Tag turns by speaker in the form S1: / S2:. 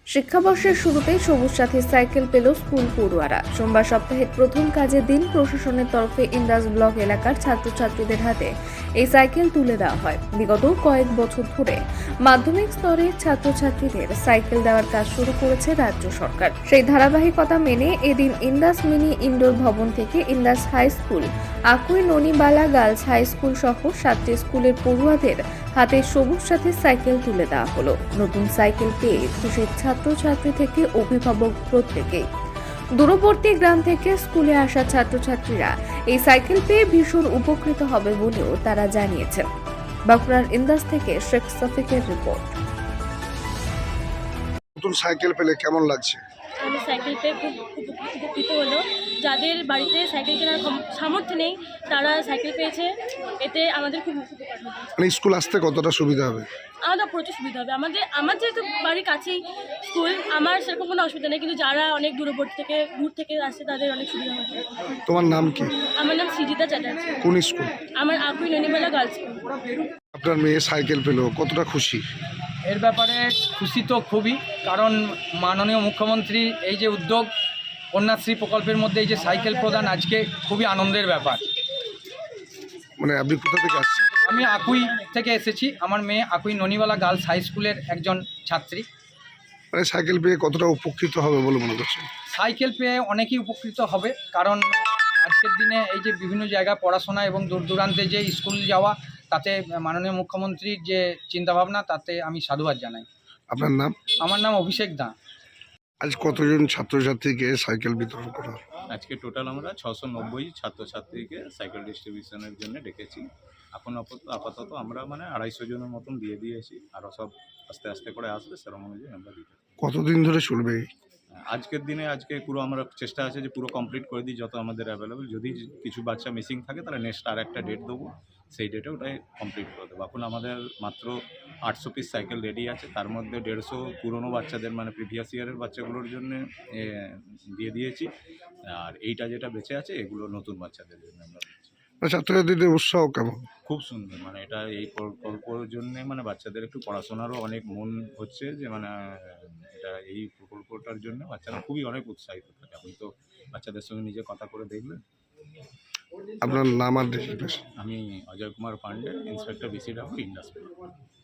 S1: শিক্ষাবর্ষের শুরুতেই সবুজ সাথী সাইকেল পেল স্কুল পড়ুয়ারা। সোমবার সপ্তাহের প্রথম কাজের দিন প্রশাসনের তরফে ইন্দাস ব্লক এলাকার ছাত্রছাত্রীদের হাতে এই সাইকেল তুলে দেওয়া হয়। বিগত কয়েক বছর ধরে মাধ্যমিক স্তরের ছাত্রছাত্রীদের সাইকেল দেওয়ার কাজ শুরু করেছে রাজ্য সরকার। সেই ধারাবাহিকতা মেনে এদিন ইন্দাস মিনি ইনডোর ভবন থেকে Indas high school, Akui Nonibala girls high school সহ 7টি স্কুলের পড়ুয়াদের হাতে সবুজ সাথী সাইকেল তুলে দেওয়া হলো। নতুন সাইকেল পেয়ে খুশি ছাত্রছাত্রী থেকে অভিভাবক প্রত্যেকেই। দূরবর্তী গ্রাম থেকে স্কুলে আসা ছাত্রছাত্রীরা এই সাইকেল পেয়ে ভীষণ উপকৃত হবে বলেও তারা জানিয়েছেন। বাঁকুড়ার ইন্দাস থেকে শেখ সফিকের রিপোর্ট।
S2: নতুন সাইকেল পেলে কেমন লাগছে?
S3: আমি সাইকেল পেয়ে খুব উপকৃত হলো। যাদের বাড়িতে সাইকেল কেনার সামর্থ্য নেই তারা সাইকেল পেয়েছে, এতে আমাদের খুব উপকার হবে।
S2: মানে স্কুল আসতে কতটা সুবিধা হবে?
S3: আমাদের প্রচুর সুবিধা হবে। আমার যেহেতু বাড়ির কাছেই স্কুল, আমার সেরকম কোনো অসুবিধা নেই, কিন্তু যারা অনেক দূর থেকে আসছে তাদের অনেক সুবিধা হবে।
S2: তোমার নাম কি?
S3: আমার নাম সৃজিতা চ্যাটার্জি।
S2: কোন স্কুল?
S3: আমার আকুই ননিবালা গার্লস স্কুল।
S2: আপনার মেয়ে সাইকেল পেলো, কতটা খুশি?
S4: এর ব্যাপারে খুশি তো খুবই, কারণ মাননীয় মুখ্যমন্ত্রী এই যে উদ্যোগ কন্যাশ্রী প্রকল্পের মধ্যে এই যে সাইকেল প্রদান আজকে খুবই আনন্দের ব্যাপার।
S2: মানে আপনি কোথা থেকে আসছেন?
S4: আমি আকুই থেকে এসেছি। আমার মেয়ে আকুই ননিবালা গার্লস হাই স্কুলের একজন ছাত্রী।
S2: মানে সাইকেল পেয়ে কতটা উপকৃত হবে বলে মনে করছেন?
S4: সাইকেল পেয়ে অনেকেই উপকৃত হবে, কারণ আজকের দিনে এই যে বিভিন্ন জায়গায় পড়াশোনা এবং দূর দূরান্তে যে স্কুল যাওয়া, তাতে মাননীয় মুখ্যমন্ত্রীর যে চিন্তাভাবনা তাতে আমি সাধুবাদ জানাই।
S2: আপনার নাম?
S4: আমার নাম অভিষেক দা।
S2: আজ কতজন ছাত্রছাত্রীকে সাইকেল বিতরণ করা হবে?
S5: আজকে টোটাল আমরা 690 ছাত্রছাত্রীকে সাইকেল ডিস্ট্রিবিউশনের জন্য ডেকেছি। এখন আপাতত আমরা 250 জনের মতন দিয়ে দিয়েছি, আরও সব আস্তে আস্তে করে আসবে, সেরকম অনুযায়ী আমরা দিতে।
S2: কতদিন ধরে চলবে?
S5: আজকের দিনে পুরো আমরা চেষ্টা আছে যে পুরো কমপ্লিট করে দিই যত আমাদের অ্যাভেলেবেল। যদি কিছু বাচ্চা মিসিং থাকে তাহলে নেক্সট আর একটা ডেট দেবো, সেই ডেটে ওটাই কমপ্লিট করে দেবো। এখন আমাদের মাত্র 800 পিস সাইকেল রেডি আছে, তার মধ্যে 150 পুরনো বাচ্চাদের প্রিভিয়াস ইয়ারের বাচ্চাগুলোর জন্য দিয়ে দিয়েছি, আর এইটা যেটা বেঁচে আছে এগুলো নতুন বাচ্চাদের জন্য আমরা দিচ্ছি।
S2: ছাত্রছাত্রীদের উৎসাহ কেমন?
S5: খুব সুন্দর, এটা এই প্রকল্পের জন্য বাচ্চাদের একটু পড়াশোনারও অনেক মন হচ্ছে, যে এটা এই প্রকল্পটার জন্য বাচ্চারা খুবই অনেক উৎসাহিত থাকে। আপনি তো বাচ্চাদের সঙ্গে নিজে কথা করে দেখবেন।
S2: আপনার নাম আর ডেজিগনেশন?
S5: আমি Ajay Kumar Pandey, inspector BCW industry.